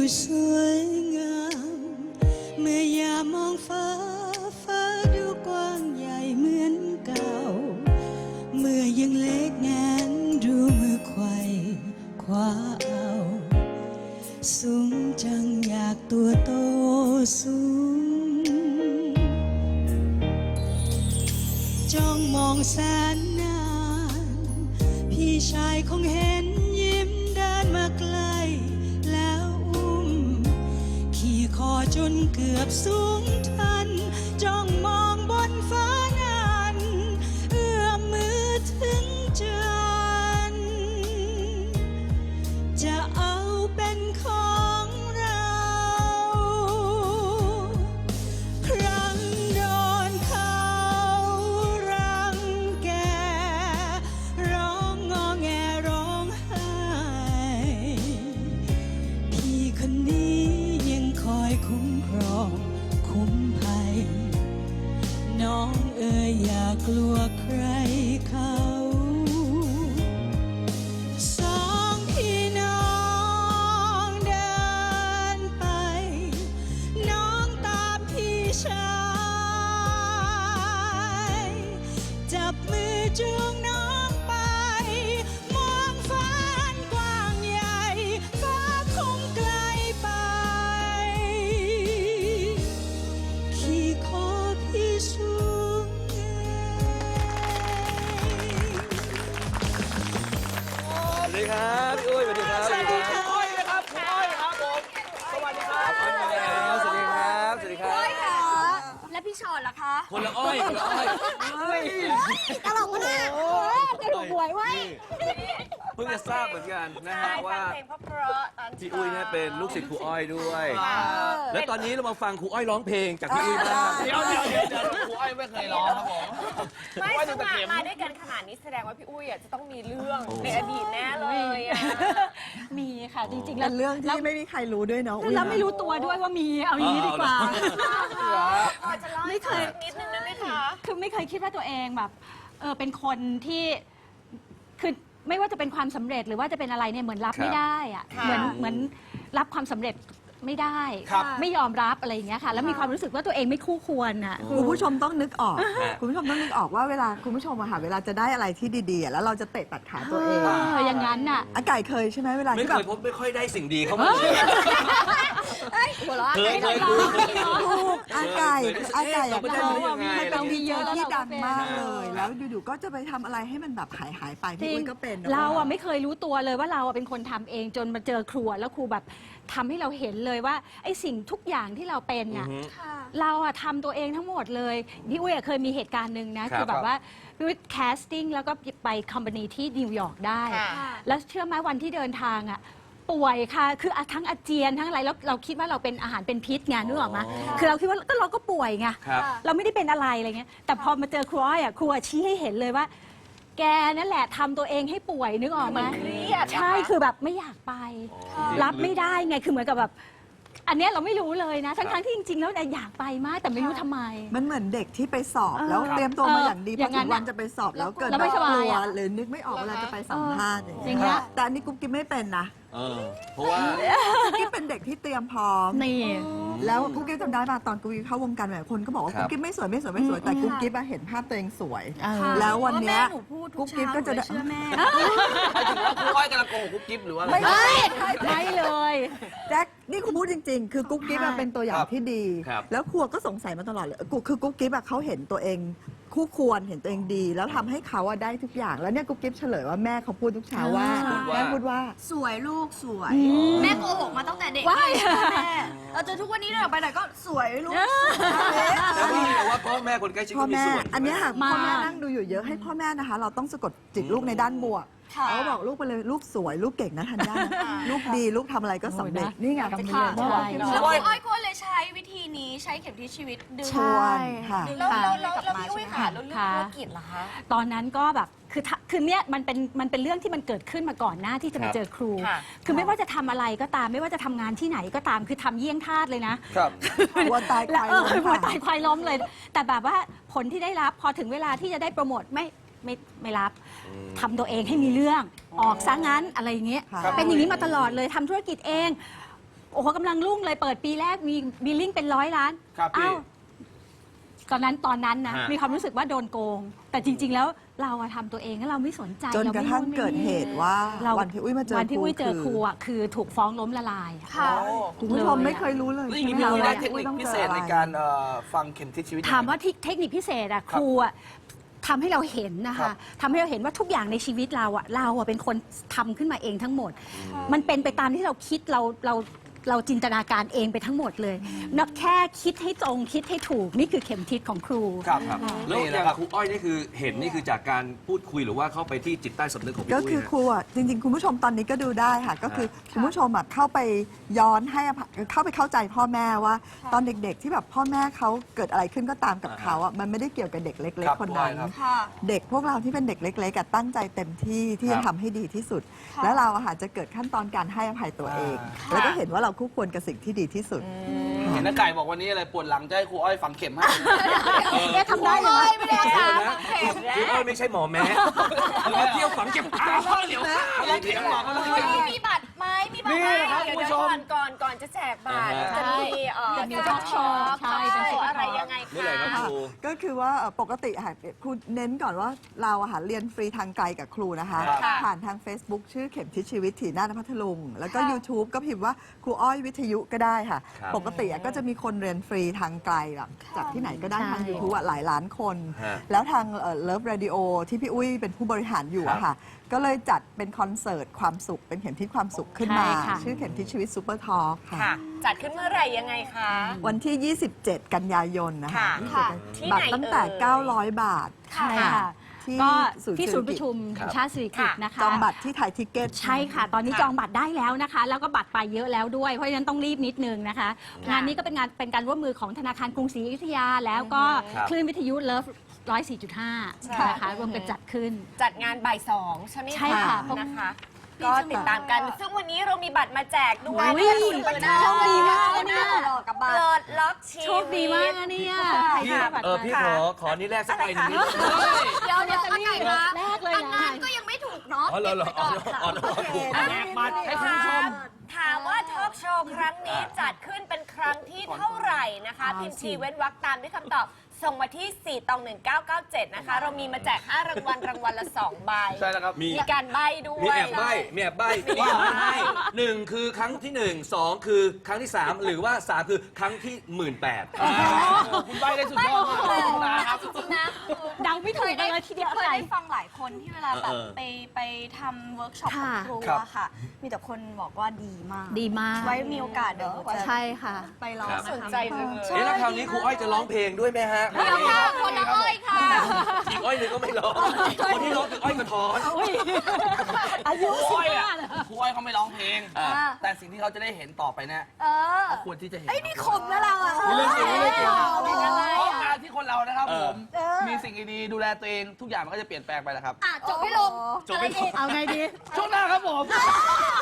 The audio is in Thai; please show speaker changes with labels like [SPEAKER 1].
[SPEAKER 1] สวยงามเมื่อยามมองฟ้าฟ้าดูกว้างใหญ่เหมือนเก่าเมื่อยังเล็กแงนดูมือไขว่คว้าเอาสูงจังอยากตัวโตสูงจ้องมองแสนนานพี่ชายคงเห็นยิ้มเดินมาไกลแล้วอุ้มขี่คอจนเกือบสูงทันจ้องมองบนฟ้านั้นเอื้อมมือถึงจันทร์จะเอาเป็นของเราครั้งโดนเขารังแกร้องงอแงร้องไห้พี่คนนี้ยังคอยคุ้มครองคุ้มภัยน้องเอ๋ยอย่ากลัวใครเขาสองพี่น้องเดินไปน้องตามพี่ชายจับมือจูงน้องไปมองฟ้าอันกว้างใหญ่ฟ้าคงไกลไปขี่คอพี่สูงใหญ่
[SPEAKER 2] สวัสดีครับพี่อุ้ยสวัสดีครับ
[SPEAKER 3] สวัสดีค่ะอ้อยนะครับคุณอ้อยครับผมสวัสดีครับ
[SPEAKER 2] สวัสดีครับสวัสดีครับสวัสดีครับ
[SPEAKER 4] อ้อยค่ะและพี่ชอนล่ะคะ
[SPEAKER 2] คนละอ้อยคนละอ้อย
[SPEAKER 4] ตลกมากกระดูกหวยไว้
[SPEAKER 2] เพิ่งจะทราบเหมือนกันนะฮะว่า
[SPEAKER 3] เพลงเพราะๆตอนเช้า
[SPEAKER 2] พี่อุ้ยเนี่ยเป็นลูกศิษย์ครูอ้อยด้วย แล้วตอนนี้เรามาฟังครูอ้อยร้องเพลงจากพี่อุ้ยบ้าง
[SPEAKER 3] เดี๋ยวครูอ้อยไม่เคยร้องครับผมไม่สมัครมาด้วยกันขนาดนี้แสดงว่าพี่อุ้ยจะต้องมีเรื่องในอดีตแน่เลยอ่ะ
[SPEAKER 5] มีค่ะจริงๆแล้ว
[SPEAKER 6] เป็นเรื่องที่ไม่มีใครรู้ด้วยเนาะ
[SPEAKER 5] แล้วไม่รู้ตัวด้วยว่ามีเอาอย่างนี้ดีกว่า
[SPEAKER 3] จะเล่าให้ฟังนิดนึงได้ไหมคะ
[SPEAKER 5] คือไม่เคยคิดว่าตัวเองแบบเป็นคนที่คือไม่ว่าจะเป็นความสำเร็จหรือว่าจะเป็นอะไรเนี่ยเหมือนรับไม่ได้อะเหมือนรับความสำเร็จไม่ได้ ไม่ยอมรับอะไรอย่างเงี้ยค่ะ แล้วมีความรู้สึกว่าตัวเองไม่คู่ควรอ่ะ
[SPEAKER 6] คุณผู้ชมต้องนึกออก คุณผู้ชมต้องนึกออกว่าเวลาคุณผู้ชมอะค่ะเวลาจะได้อะไรที่ดีๆอะแล้วเราจะเตะตัดขาตัวเอง
[SPEAKER 5] อย่างนั้นน่ะ
[SPEAKER 6] อาไก่เคยใช่ไหมเวลา
[SPEAKER 2] ไม่
[SPEAKER 6] ที่
[SPEAKER 2] เค
[SPEAKER 6] แบบ
[SPEAKER 2] ยพบไม่ค่อยได้สิ่งดีเข้ามาเลย
[SPEAKER 4] หัวเราะ
[SPEAKER 2] เคย
[SPEAKER 6] ถูกอาไก่อะ
[SPEAKER 2] เราไม่ได้รู้ยังไง
[SPEAKER 6] มันเป็นวีเยอะที่ดังมาก
[SPEAKER 5] เอ
[SPEAKER 6] เล
[SPEAKER 5] อ
[SPEAKER 6] ย แล้วอยู่ๆก็จะไปทำอะไรให้มันแบบหายไป
[SPEAKER 5] จ
[SPEAKER 6] พี่
[SPEAKER 5] ริง
[SPEAKER 6] อุ้ยก็เป็น
[SPEAKER 5] เราอะไม่เคยรู้ตัวเลยว่าเราอะเป็นคนทำเองจนมาเจอครัวแล้วครูแบบทำให้เราเห็นเลยว่าไอ้สิ่งทุกอย่างที่เราเป็นอะเราอะทำตัวเองทั้งหมดเลยพี่อุ้ยอะเคยมีเหตุการณ์หนึ่งนะคือแบบว่าพี่อุ้ยแคสติ้งแล้วก็ไปคอมพานีที่นิวยอร์กได้ แล้วเชื่อไหมวันที่เดินทางอะป่วยค่ะคือทั้งอาเจียนทั้งอะไรแล้วเราคิดว่าเราเป็นอาหารเป็นพิษไงนึกออกไหมคือเราคิดว่าเราก็ป่วยไง
[SPEAKER 2] ครับ
[SPEAKER 5] เราไม่ได้เป็นอะไรอะไรเงี้ยแต่พอมาเจอครูอ้อยอะครูอะชี้ให้เห็นเลยว่า แกนั่นแหละทำตัวเองให้ป่วยนึกออกไหม
[SPEAKER 3] เครียด
[SPEAKER 5] ใช่คือแบบไม่อยากไป รับไม่ได้ไงคือเหมือนกับแบบ อันเนี้ยเราไม่รู้เลยนะทั้งที่จริงๆแล้วอยากไปมากแต่ไม่รู้ทำไม
[SPEAKER 6] มันเหมือนเด็กที่ไปสอบแล้วเตรียมตัวมาอย่างดีพ
[SPEAKER 5] อย่าง
[SPEAKER 6] อ
[SPEAKER 5] นั้
[SPEAKER 6] ถึ
[SPEAKER 5] น
[SPEAKER 6] งวันจะไปสอบแล้วเกิด
[SPEAKER 5] แล้วไม่สบาย
[SPEAKER 6] กลัว
[SPEAKER 5] อะ
[SPEAKER 6] หรือนึกไม่ออกเวลาจะไปสัมภาษณ์อย่าง
[SPEAKER 5] อย่างเงี้
[SPEAKER 6] เงี้
[SPEAKER 5] ย
[SPEAKER 6] ยแต่อันนี้กุ๊กกิ๊บไม่เป็นนะ
[SPEAKER 2] เพราะว่า
[SPEAKER 6] กุ๊กกิ๊บเป็นเด็กที่เตรียมพร้อม
[SPEAKER 5] นี่
[SPEAKER 6] แล้วกุ๊กกิ๊บจำได้ป่ะตอนกุ๊กกิ๊บเข้าวงการแบบคนก็บอกว่า
[SPEAKER 2] ครับ
[SPEAKER 6] กุ๊กกิ๊บไม่สวยแต่กุ๊กกิ๊บอะเห็นภาพตัวเองสวย
[SPEAKER 5] เออ
[SPEAKER 6] แล้ววันเนี้ย
[SPEAKER 4] หนูพูดทุ
[SPEAKER 6] กุ๊
[SPEAKER 4] ก
[SPEAKER 6] กกิ๊บ
[SPEAKER 4] เช้า
[SPEAKER 6] ก็จะ
[SPEAKER 4] หนูเลยเชื่อแม่
[SPEAKER 3] ครูอ้อยกำลังโกหกกุ๊บกิ๊บหรือว่าอะไร
[SPEAKER 6] ไม่ใช่
[SPEAKER 5] ไม่เลย
[SPEAKER 6] แจ็คนี่คุณพูดจริง ๆ คือกุ๊กกิ๊บอะเป็นตัวอย่างที่ดี
[SPEAKER 2] ครับ
[SPEAKER 6] แล้วครัวก็สงสัยมาตลอดเลยคือกุ๊กกิ๊บอะเขาเห็นตัวเองคู่ควรเห็นตัวเองดี แล้วทำให้เขาอะได้ทุกอย่างแล้วเนี่ยกุ๊กกิ๊บเฉลยว่าแม่เขาพูดทุกเช้าว่าแม่พูดว่า
[SPEAKER 4] สวยลูกสวย แม่โกหกมาตั้งแต่เด็ก
[SPEAKER 5] ว้าย
[SPEAKER 4] แม่เราจนทุกวันนี้เดินไปไหนก็สวยลูก
[SPEAKER 2] แล้วนี่แต่ว่าพ่อแม่คนใกล้ชิด
[SPEAKER 6] พ่อ
[SPEAKER 2] ก็มี
[SPEAKER 6] แม่
[SPEAKER 2] ส่วน
[SPEAKER 6] อันเนี้ยค่ะ
[SPEAKER 5] มาก
[SPEAKER 6] พ่อแม่นั่งดูอยู่เยอะให้พ่อแม่นะคะ เราต้องสะกดจิตลูกในด้านบวกเขาก็บอกลูกไปเลยลูกสวยลูกเก่งนะทันย่านะลูกดีลูกทำอะไรก็สำเร็จนี่ไง
[SPEAKER 5] จะ
[SPEAKER 6] คำ
[SPEAKER 5] ขาด
[SPEAKER 6] เมื่อวาน
[SPEAKER 5] ใจ
[SPEAKER 4] แล้วพี่อ้อยก็เลยใช้วิธีนี้ใช้เข็มทิศชีวิตดึง
[SPEAKER 6] ชวนค่ะ
[SPEAKER 4] ดึง
[SPEAKER 3] แล้ว
[SPEAKER 4] ค่ะ
[SPEAKER 3] พี่อุ้ยค่ะแล้วเรื่องธุรกิจล่ะคะ
[SPEAKER 5] ตอนนั้นก็แบบคือเนี่ยมันเป็นเรื่องที่มันเกิดขึ้นมาก่อนหน้าที่จะมาเจอครู
[SPEAKER 3] ค่ะ
[SPEAKER 5] คือไม่ว่าจะทำอะไรก็ตามไม่ว่าจะทำงานที่ไหนก็ตามคือทำเยี่ยงทาสเลยนะ
[SPEAKER 2] ครับ
[SPEAKER 6] วัวตายควาย
[SPEAKER 5] แล้ว
[SPEAKER 6] ล้ม
[SPEAKER 5] หัว
[SPEAKER 6] ค่ะ
[SPEAKER 5] ตายควายล้มเลย แต่แบบว่าผลที่ได้รับพอถึงเวลาที่จะได้โปรโมทไม่รับทำตัวเองให้มีเรื่องออกซะงั้นอะไรอย่างเงี้ย
[SPEAKER 6] ค่ะ
[SPEAKER 5] เป็นอย่างนี้มาตลอดเลยทำธุรกิจเองโอ้โหกำลังรุ่งเลยเปิดปีแรกมีบิลลิ่งเป็น100 ล้าน
[SPEAKER 7] ครับพี่
[SPEAKER 5] อ้าวตอนนั้นนะ
[SPEAKER 2] ฮะ
[SPEAKER 5] มีความรู้สึกว่าโดนโกง แต่จริง ๆ แล้วเราอะทำตัวเองแล้วเราไม่สนใจ
[SPEAKER 6] จนกระทั่งเกิดเหตุว่า
[SPEAKER 5] เรา
[SPEAKER 6] วันที่อุ้ยมาเจอ
[SPEAKER 5] วันที่อุ้ยเจอครู
[SPEAKER 6] อ
[SPEAKER 5] อะคือถูกฟ้องล้มละลายอะ
[SPEAKER 4] ค่ะ
[SPEAKER 6] คุณผู้ชมไม่เคยรู้เลย
[SPEAKER 7] แล้วอย่างนี้
[SPEAKER 6] ใช่
[SPEAKER 7] พี่
[SPEAKER 6] ไหม
[SPEAKER 7] อุ้ยได้
[SPEAKER 6] ว่า
[SPEAKER 7] เทคนิค
[SPEAKER 6] ต้อง
[SPEAKER 7] พิ
[SPEAKER 6] จอ
[SPEAKER 7] เศษ
[SPEAKER 6] อะไร
[SPEAKER 7] ในการฟังเข็มทิศชีวิต
[SPEAKER 5] ถามว่าเทคนิคพิเศษอะครูอะทำให้เราเห็นนะ
[SPEAKER 7] ครั
[SPEAKER 5] คะ
[SPEAKER 7] บ
[SPEAKER 5] ทำให้เราเห็นว่าทุกอย่างในชีวิตเราอะเป็นคนทำขึ้นมาเองทั้งหมด มันเป็นไปตามที่เราคิดเราจินตนาการเองไปทั้งหมดเลยนับแค่คิดให้ตรงคิดให้ถูกนี่คือเข็มทิศของครู
[SPEAKER 7] ครับ
[SPEAKER 2] ครับแล้ว
[SPEAKER 7] นี่
[SPEAKER 2] อ
[SPEAKER 7] นะ
[SPEAKER 2] ย่าง
[SPEAKER 7] ครับ
[SPEAKER 2] ครูอ้อยนี่คือเห็นนี่คือจากการพูดคุยหรือว่าเข้าไปที่จิตใต้สำนึกของพี่
[SPEAKER 6] ก็
[SPEAKER 2] อุ้ย
[SPEAKER 6] คือ
[SPEAKER 2] นะ
[SPEAKER 6] ครูอ่ะจริงๆ คุณผู้ชมตอนนี้ก็ดูได้ค่ะ ก็คือคุณผู้ชมอ่ะเข้าไปย้อนให้อภัยเข้าไปเข้าใจพ่อแม่ว่า ตอนเด็กๆที่แบบพ่อแม่เขาเกิดอะไรขึ้นก็ตามกับเขาอ่ะมันไม่ได้เกี่ยวกับเด็กเล็ก
[SPEAKER 7] ครับ
[SPEAKER 6] ๆคนนั้น
[SPEAKER 7] ครับ
[SPEAKER 4] ค่ะ
[SPEAKER 6] เด็กพวกเราที่เป็นเด็กเล็กๆอะตั้งใจเต็มที่ที่
[SPEAKER 2] ครั
[SPEAKER 6] จะ
[SPEAKER 2] บ
[SPEAKER 6] ทำให้ดีที่สุด แล้วเราอะค่ะจะเกิดขั้นตอนการให้อภัยตัวเอง แล้วก็เห็นว่าเราคู่ควรกับสิ่งที่ดีที่สุด
[SPEAKER 7] เห็นน้าไก่บอกวันนี้อะไรปวดหลังจะให้ครูอ้อยฝังเข็มให้
[SPEAKER 5] เอ๊ะทำได้เลย
[SPEAKER 4] ไม่ได้
[SPEAKER 2] เดี๋ยว
[SPEAKER 4] ค่ะ
[SPEAKER 2] นะครูอ้อยไม่ใช่หมอแม้มาเที่ยวฝังเก็บตาพ่อเหลียว
[SPEAKER 7] แล้วเข็มหมอก็ต้องเข็ม
[SPEAKER 4] มีบัตรไหมมีบัตร
[SPEAKER 7] นี่
[SPEAKER 4] ไหม
[SPEAKER 7] นะครับ
[SPEAKER 3] เดี๋ยว
[SPEAKER 7] คุณผู้ช
[SPEAKER 3] ก่อนจะแจกบัตร
[SPEAKER 2] อ่าฮะ
[SPEAKER 3] จะมี
[SPEAKER 5] มี
[SPEAKER 3] จะ
[SPEAKER 5] talk show ใช่เป็น talk show
[SPEAKER 3] อะไรยังไง
[SPEAKER 2] เมื่อไหร่ครับ
[SPEAKER 3] คะ
[SPEAKER 2] ครู
[SPEAKER 6] ก็คือว่าปกติค่ะครูเน้นก่อนว่าเราอะค่ะเรียนฟรีทางไกลกับครูนะคะ
[SPEAKER 7] ครับ
[SPEAKER 6] ผ่านทาง Facebook ชื่อเข็มทิศชีวิตถีหน้านพัทลุง แล้วก็
[SPEAKER 4] ค่ะ
[SPEAKER 6] YouTube ก็พิมพ์ว่าครูอ้อยวิทยุก็ได้ค่ะ
[SPEAKER 2] ครับ
[SPEAKER 6] ปกติอะก็จะมีคนเรียนฟรีทางไกลแบบจากที่ไหนก็ได้ทาง YouTube อะหลายล้านคน
[SPEAKER 2] ฮะ
[SPEAKER 6] แล้วทางเลิฟเรดิโอที่พี่อุ้ยเป็นผู้บริหารอยู่อะค่ะ ก็เลยจัดเป็นคอนเสิร์ตความสุขเป็นเข็มทิศความสุขขึ้นมา
[SPEAKER 5] ใช่ค่ะ
[SPEAKER 6] ชื่อเข็มทิศชีวิตซูเปอร์ทอล์กค่ะ
[SPEAKER 3] ค่ะ จัดขึ้นเมื่อไหร่ยังไงคะ
[SPEAKER 6] วันที่ 27 กันยายนนะคะ
[SPEAKER 3] ค่ะ
[SPEAKER 6] 27
[SPEAKER 3] ที่ไหน
[SPEAKER 6] บัตรตั้งแต่
[SPEAKER 3] เอ่ย
[SPEAKER 6] 900 บาท
[SPEAKER 5] ใช่ค่ะ
[SPEAKER 6] ที่
[SPEAKER 5] ก็
[SPEAKER 6] ศูนย์
[SPEAKER 5] ที่ศูนย์
[SPEAKER 6] เศรษฐกิจ
[SPEAKER 5] ประชุมแห่งชาติสิริกิติ์นะคะ
[SPEAKER 6] จองบัตรที่ไทยทิเก็ต
[SPEAKER 5] ใช่ค่ะ ตอนนี้จองบัตรได้แล้วนะคะ แล้วก็บัตรไปเยอะแล้วด้วย เพราะฉะนั้นต้องรีบนิดนึงนะคะ งานนี้ก็เป็นการร่วมมือของธนาคารกรุงศรีอยุธยา แล้วก็
[SPEAKER 2] ครับ
[SPEAKER 5] คลื่นวิทยุเลิฟ104.5 นะคะรวมกันจัดขึ้น
[SPEAKER 3] จัดงานบ่าย2ใช่ไหม
[SPEAKER 5] ใช่ค่ะ
[SPEAKER 3] นะคะ ก็ติดตามกัน ซึ่งวันนี้เรามีบัตรมาแจกด้วย
[SPEAKER 5] อุ๊ย โชคดีมากเลยเนี่ย
[SPEAKER 4] กับ
[SPEAKER 3] เปิ
[SPEAKER 4] บัตร
[SPEAKER 3] ดล็อกชีวิต
[SPEAKER 5] โชคดีมากนะเนี่ย
[SPEAKER 2] พี่พี่ขอนี่แรกสักใบหนึงนิดนึง
[SPEAKER 4] เดี๋ยวอาไก่คะ
[SPEAKER 5] แรกเลย
[SPEAKER 4] อัน
[SPEAKER 5] นะ
[SPEAKER 4] นั้นก็ยังไม่ถูกเนาะ
[SPEAKER 2] อ๋อเหรอเหรออ๋ออ๋อถูก
[SPEAKER 7] แจกบัตรให้คุณผู้ชม
[SPEAKER 3] ถามว่าทอล์กโชว์ครั้งนี้จัดขึ้นเป็นครั้งที่เท่าไหร่นะคะ พิมพ์ชีเว้นวรรคตามด้วยคำตอบ ส่งมาที่ 4-1997 นะคะ เรามีมาแจก 5 รางวัลรางวัลละ 2 ใบ
[SPEAKER 7] ใช่แล้วครับ
[SPEAKER 2] มี
[SPEAKER 3] มีการใบ้ด้วย
[SPEAKER 2] มีแอบใบ้มีแอบใบ้ที่อยากให้หนึ่งคือครั้งที่ 1 2 คือครั้งที่ 3 หรือว่า 3 คือครั้งที่ 18,000
[SPEAKER 7] คุณใบได้สุดยอดมากเลยนะครับ
[SPEAKER 4] จริงๆนะ
[SPEAKER 5] เดาไม่ถูกกันเลยทีเดียว
[SPEAKER 4] เคย
[SPEAKER 5] อะไร
[SPEAKER 4] ได้ฟังหลายคนที่เวลาแบบ
[SPEAKER 2] เออ
[SPEAKER 4] ไปทำเวิร์กช็อปกับ
[SPEAKER 5] ค่ะ
[SPEAKER 4] ครู
[SPEAKER 7] ครับ
[SPEAKER 4] อะค่ะ มีแต่คนบอกว่าดีมาก
[SPEAKER 5] ดีมาก
[SPEAKER 4] ไว้มีโอกาสเดี๋ยวจะ
[SPEAKER 5] ใช่ค่ะ
[SPEAKER 4] ไปลอง
[SPEAKER 2] ครับ
[SPEAKER 4] นะคะ
[SPEAKER 3] สนใจจังเลย
[SPEAKER 2] เอ๊ะแล้วคราวนี้ครูอ้อยจะร้องเพลงด้วยไหมฮะ
[SPEAKER 4] เดี๋ยวค่ะคนละอ้อยค่ะ
[SPEAKER 2] อีกอ้อยหนึ่งก็ไม่ร้องคนที่ร้องคืออ้อยกระท้อน
[SPEAKER 5] อายุ
[SPEAKER 7] ครูอ้อย
[SPEAKER 5] 15
[SPEAKER 7] อ่ะ
[SPEAKER 5] เหรอ
[SPEAKER 7] ครูอ้อยเขาไม่ร้องเพลง
[SPEAKER 2] อ่า
[SPEAKER 7] แต่สิ่งที่เขาจะได้เห็นต่อไปเนี่ย
[SPEAKER 4] เออ
[SPEAKER 7] เขาควรที่จะเห็น
[SPEAKER 4] ไอ้ยนี่ขมนะเราอะ
[SPEAKER 7] มีเรื่องจริงมีเรื่องจริง
[SPEAKER 4] เป็นอะไร
[SPEAKER 7] เพราะ
[SPEAKER 4] อะ
[SPEAKER 7] การที่คนเรานะครับ
[SPEAKER 2] เอ
[SPEAKER 7] ผ
[SPEAKER 2] อ
[SPEAKER 7] ม มีสิ่งดีๆดูแลตัวเองทุกอย่างมันก็จะเปลี่ยนแปลงไปแหละครับ
[SPEAKER 4] อ่ะจบไม่ลง
[SPEAKER 2] จบไม่
[SPEAKER 5] เอาไงดี
[SPEAKER 7] ช่วงหน้าครับผม